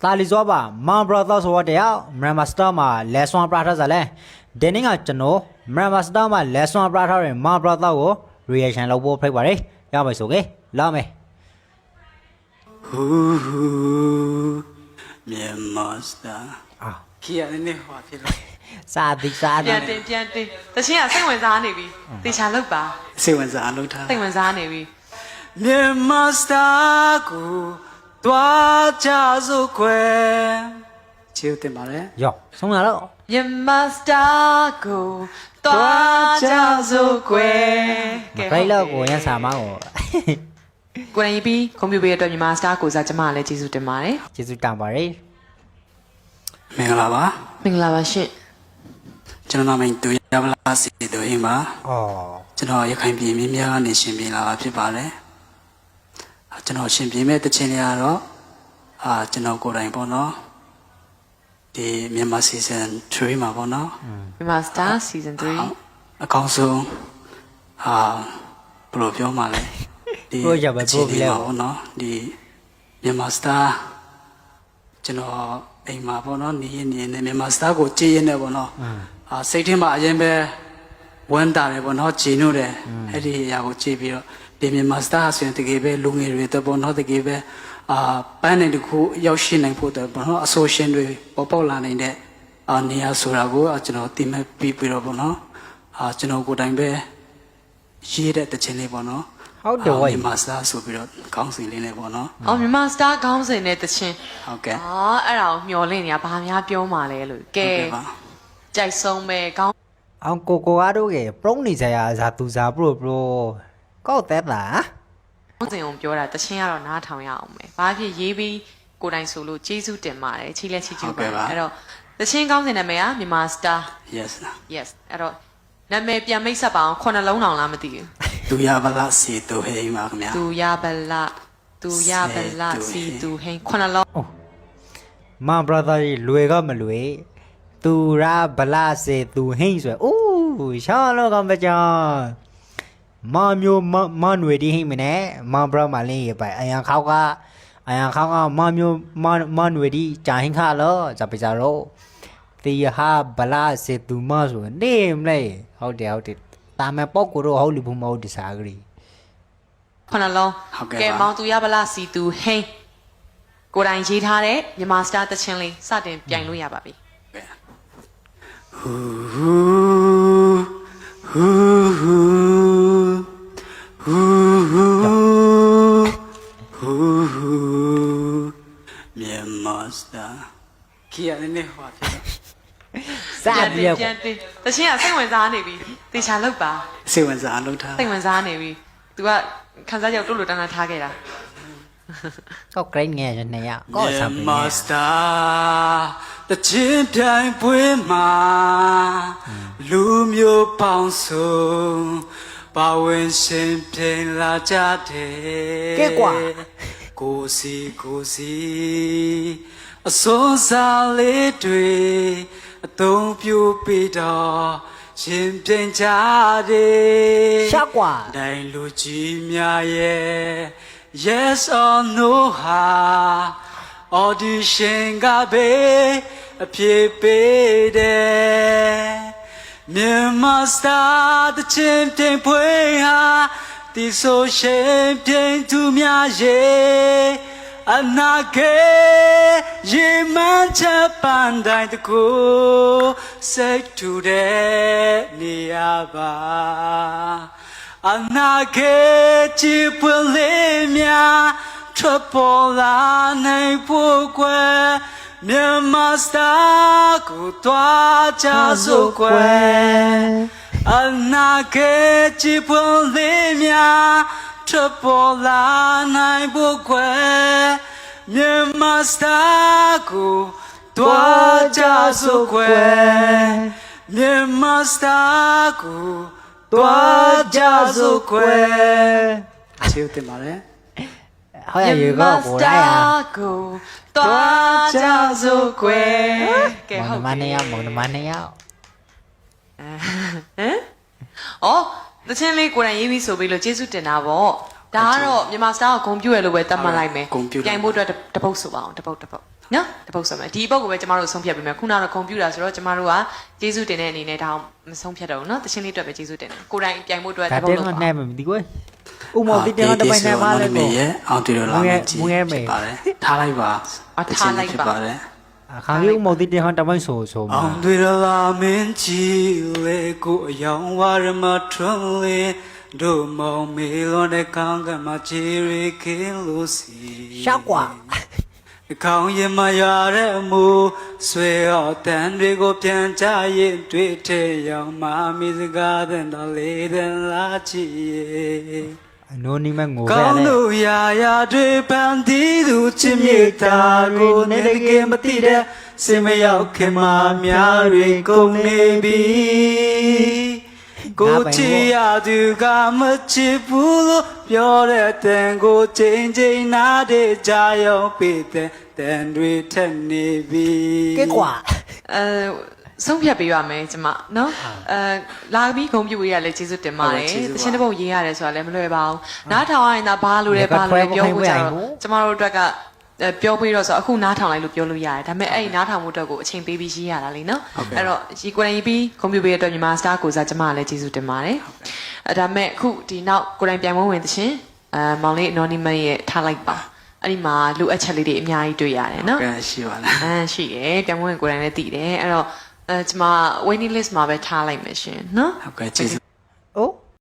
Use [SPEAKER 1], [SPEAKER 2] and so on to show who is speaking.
[SPEAKER 1] တာလီဇောပါမန်ဘရာသာဆိုတဲ့မရမစတာမှာလက်ဆွမ်းပရာထားစားလဲဒီနေ့ကကျွန်တော်မရမစတာမှာလက်ဆွမ်းပရာထားတဲ့မန်ဘရာသာကို reaction လုပ်ဖို့ဖိတ်ပါတယ်ရမယ်ဆိုကေလာမယ်
[SPEAKER 2] ဟူမြန်မာစတာခီရနေဟောဖြစ်လို့
[SPEAKER 1] စာတိ
[SPEAKER 3] ပြန်တင်တချင်းကစိတ်ဝင်စားနေပြီတေချာလောက်ပါ
[SPEAKER 2] စိတ်ဝင်စားလုပ်ထား
[SPEAKER 3] စိတ်ဝင်စားနေပြီ
[SPEAKER 2] မြန်မာစတာကိုတွားကြစို့ခွဲချေတင်ပါလေ
[SPEAKER 1] ယောဆုံးလာတော့
[SPEAKER 3] မြန်မာစတာကိုတွားကြစို့ကွယ်
[SPEAKER 1] ခိုင်လောက်ကိုရန်စာမောင်း
[SPEAKER 3] ကိုယ်တိုင်ပြီးကွန်ပျူတာအတွက်မြန်မာစတာကိုစားကျမလည်းကျေးဇူးတင်ပါတယ်
[SPEAKER 1] ကျေးဇူးတင်ပါတယ်
[SPEAKER 2] မင်္ဂလာပါ
[SPEAKER 3] မင်္ဂလာပါရှင်
[SPEAKER 2] ကျွန်တော်နာမည်တူရပါလားစီတူအင်းပါကျွန်တော်ရခိုင်ပြည်မြင်းများကနေရှင်ပြည်လာတာဖြစ်ပါတယ်ကျွန်တော်ရှင်ပြည်မဲ့တခြင်းတွေကတော့ကျွန်တော်ကိုယ်တိုင်ပေါ့နော်ဒီမြန်မာ season 3မှာပေါ့နော်
[SPEAKER 3] မြန်မာစတာ season 3
[SPEAKER 2] အကောင်းဆုံးဘယ်လိုပြောမှလဲဒီ
[SPEAKER 1] ကိုရပါပို့ပြီလေ
[SPEAKER 2] ပေါ့နော်ဒီမြန်မာစတာကျွန်တော်အိမ်မှာပေါ့နော်နေရင်မြန်မာစတာကိုကြည်ရင်လည်းပေါ့နော်စိတ်ထဲမှာအရင်ပဲဝမ်းတာတယ်ပေါ့နော်ကြည်နုတယ်အဲ့ဒီအရာကိုကြည်ပြီးတော့ဒီမြန်မာစတာဆိုရင်တကယ်ပဲလူငယ်တွေတော့ပေါ့နော်တကယ်ပဲပန်းနေတခုရောက်ရှိနိုင်ဖို့တော့ပေါ့နော်အဆိုရှင်တွေပေါ်ပေါက်လာနိုင်တဲ့နေရာဆိုတာကိုကျွန်တော်သိမှတ်ပြီးတော့ပေါ့နော်ကျွန်တော်ကိုယ်တိုင်ပဲရေးတဲ့တခြင်းလေးပေါ့နော်
[SPEAKER 1] ဟုတ်တယ်ဝိုင်း
[SPEAKER 2] မြန်မာစတာဆိုပြီးတော့ခေါင်းစဉ်လေးနဲ့ပေါ့နော်
[SPEAKER 3] မြန်မာစတာခေါင်းစဉ်နဲ့တခြင်း
[SPEAKER 2] ဟုတ်ကဲ့
[SPEAKER 3] အဲ့ဒါကိုမျောလင့်နေတာဘာများပြောမှလဲလို့ကဲကြိုက်ဆုံးပဲခေါင်း
[SPEAKER 1] အောင်ကိုအားတို့ကပရုံးနေကြရဇာသူဇာပရိုကောက်တဲ့လား
[SPEAKER 3] ခေါင်းစဉ်ကိုပြောတာတခြင်းကတော့နားထောင်ရအောင်ပဲဘာဖြစ်ရေးပြီးကိုယ်တိုင်ဆိုလို့ကျေးဇူးတင်ပါတယ်ချီလက်ချီကျူပါတယ်အဲ့တော့တခြင်းခေါင်းစဉ်နာမည်ကမြန်မာစတာ
[SPEAKER 2] yes
[SPEAKER 3] အဲ့တော့နာမည်ပြန်မိတ်ဆက်ပါအောင်ခုနှစ်လုံးတောင်လားမသိဘူး
[SPEAKER 2] သူရပါလားစီတူဟိန်းပါခင်ဗျာ
[SPEAKER 3] သူရပါလားစီတူဟိန်းခုနှစ်လုံး
[SPEAKER 1] မန်ဘရာသာကြီးလွယ်ကမလွယ်သူရဗလာစေသူဟိန်းဆိုအိုးရှာလောကမကြောင်မမျိုးမနွေဒီဟိမနဲ့မန်ဘရာမလင်းရပိုင်အယံခေါကမမျိုးမနွေဒီဂျာဟင်ခါလောဇပကြရောတီဟာဗလာစေသူမဆိုနေမလဲဟုတ်တယ်တာမပေါက်ကိုတော့ဟုတ်လူဘူးမဟုတ်ဒီစားကလေး
[SPEAKER 3] ခုနှလုံးကဲမောင်သူရဗလာစီသူဟိန်းကိုယ်တိုင်ရေးထားတဲ့မြန်မာစတာတချင်းလေးစတင်ပြိုင်လို့ရပါပြီ
[SPEAKER 2] ဟူမြန်မာစတာခီရနေဟောဖြစ်
[SPEAKER 1] စပြ
[SPEAKER 3] ပြန်တချင်းကစိတ်ဝင်စားနေပြီတေချာလောက်ပါ
[SPEAKER 2] စိတ်ဝင်စားလုပ်ထား
[SPEAKER 3] စိတ်ဝင်စားနေပြီ तू ကခန်းစားကြောက်တို့လိုတန်းတန်းထားခဲ့တာ
[SPEAKER 1] ကောက်ကရိန်းငယ်နေရကောဆမ်ပီ
[SPEAKER 2] မာစတာတချင်းတိုင်းပွေးမှာလူမျိုးပေါင်းစုံပါဝင်ရှင်ပြင်လာကြတယ်
[SPEAKER 1] ကဲကွာ
[SPEAKER 2] ကိုစီအစိုးစားလေးတွေအသုံးပြုပြီးတော့ရှင်ပြင်ကြတယ်
[SPEAKER 1] ရှာကွာ
[SPEAKER 2] တိုင်းလူကြီးများရဲ့ Yes or no ဟာ audition ကပဲအပြေပေးတယ်မြန်မာစတာတချင်းတင်ဖွေးဟာဒီဆိုရှင်ပြင်သူများရဲ့အနာဂတ်ရေမှန်းချက်ပန်းတိုင်းတကူစိတ်ထူတဲ့နေရပါအနာဂတ်ချစ်ပွင့်လေးများထွက်ပေါ်လာနိုင်ဖို့ကွယ်မြန်မာစတာကိုတွားကြစို့ကွယ်အနာဂတ်ချစ်ပွင့်လေးများထွက်ပေါ်လာနိုင်ဖို့ကွယ်မြန်မာစတာကိုတွားကြစို့ကွယ်မြန်မာစတာကိုတွားကြစို့ကွယ်ချေတင်ပါလေ
[SPEAKER 1] ဟုတ်ရရေကောကိုရရ
[SPEAKER 3] ကိုတွားကြစို့ကွယ်ကဲဟုတ်
[SPEAKER 1] မနေရမနေရ
[SPEAKER 3] သချင်းလေးကိုယ်တိုင်ရေးပြီးဆိုပြီးလို့ကျေးဇူးတင်တာပေါ့ဒါကတော့မြန်မာစတားကိုဂုံပြွရလို့ပဲတတ်မှတ်လိုက်မယ်ပြိုင်ဖို့အတွက်တပုတ်ဆိုပါအောင်တပုတ်နော်တပုတ်ဆိုမယ်ဒီပုတ်ကိုပဲကျမတို့ဆုံးဖြတ်ပေးမယ်ခုနကတော့ကွန်ပျူတာဆိုတော့ကျမတို့ကကျေးဇူးတင်တဲ့အနေနဲ့ဒါမဆုံးဖြတ်တော့ဘူးနော်တချင်းလေးအတွက်ပဲကျေးဇူးတင်တယ်ကိုယ်တိုင်ပြိုင်ဖို့အတွက်တ
[SPEAKER 1] ဒါ
[SPEAKER 3] ပု
[SPEAKER 1] တဲ
[SPEAKER 3] တ်
[SPEAKER 1] က
[SPEAKER 3] လို့ပါ
[SPEAKER 1] နဲ့မသိကွယ်ဥမောတိတဲကတပိုင်နဲ့ပါလဲ
[SPEAKER 2] မေ
[SPEAKER 1] ကို
[SPEAKER 2] ရဲ့အောင်တီတော်လာမယ်ကြီး
[SPEAKER 1] မွေးမယ်
[SPEAKER 2] ဖြစ်ပါတယ်ထားလိုက်ပါဖြစ်ပါတယ်
[SPEAKER 1] အခါကြီးဥမောတိတဲကတပိုင်ဆိုမှာ
[SPEAKER 2] အောင်တွေလာမင်းကြီးလေကိုအယောင်ဝရမထွန်းလေတို့မောင်မေလွန်တဲ့ကောင်းကမှာချီရီကင်းလို့စီ
[SPEAKER 1] ရှောက်ကွာ
[SPEAKER 2] ခေါင်းရင်မရတဲ့အမူဆွေတော်တန်တွေကိုပြန်ချရင်တွေ့ထဲရောက်မှမိစကားတဲ့တော်လေးတဲ့လာချီရဲ့
[SPEAKER 1] အနိုနီမငိုပဲ
[SPEAKER 2] ကောင်း
[SPEAKER 1] လေ
[SPEAKER 2] လို့ရာတွေပန်းတီးသူချစ်မြေတာကိုနေတကယ်မသိတဲ့စင်မရောက်ခင်မှာများတွေကုန်နေပြီကိုချီရသူကမချစ်ဘူးလို့ပြောတဲ့တန်ကိုချိန်ချိန်နားတဲ့ကြာရောက်ပေတဲ့တန်တွေထက်နေပြီ
[SPEAKER 1] ကဲကွာ
[SPEAKER 3] ဆုံးဖြတ်ပေးရမယ်ကျမနော်လာပြီးဂုံပြူရေးရလဲကျေးဇူးတင်ပါတယ်တချင်းတစ်ပုတ်ရေးရတယ်ဆိုတာလည်းမလွယ်ပါဘူးနားထောင်ရရင်ဒါဘာလို့လဲဘာလို့လဲပြောဖို့ကြတော့ကျမတို့အတွက်ကပြောပြီးတော့ဆိုအခုနားထောင်လိုက်လို့ပြောလို့ရတယ်ဒါပေမဲ့အဲ့ဒီနားထောင်မှုအတွက်ကိုအချိန်ပေးပြီးရေးရတာလေနော်အဲ့တော့ရီကိုယ်တိုင်ရေးပြီးဂုံပြူပေးရတဲ့အတွက်မြန်မာစတာကိုစားကျမကလည်းကျေးဇူးတင်ပါတယ်ဒါပေမဲ့အခုဒီနောက်ကိုယ်တိုင်ပြန်မဝင်တချင်းမောင်လေး anonymous ရဲ့ထားလိုက်ပါအဲ့ဒီမှာလိုအပ်ချက်လေးတွေအများကြီးတွေ့ရတယ်နော်
[SPEAKER 2] ကဲရှိပါလား
[SPEAKER 3] ရှိတယ်ပြန်မဝင်ကိုယ်တိုင်လည်းသိတယ်အဲ့တော့ကျမ waiting list မှာပဲထားလိုက်မယ်ရှင်နော်
[SPEAKER 2] ဟုတ်ကဲ့ကျေးဇူး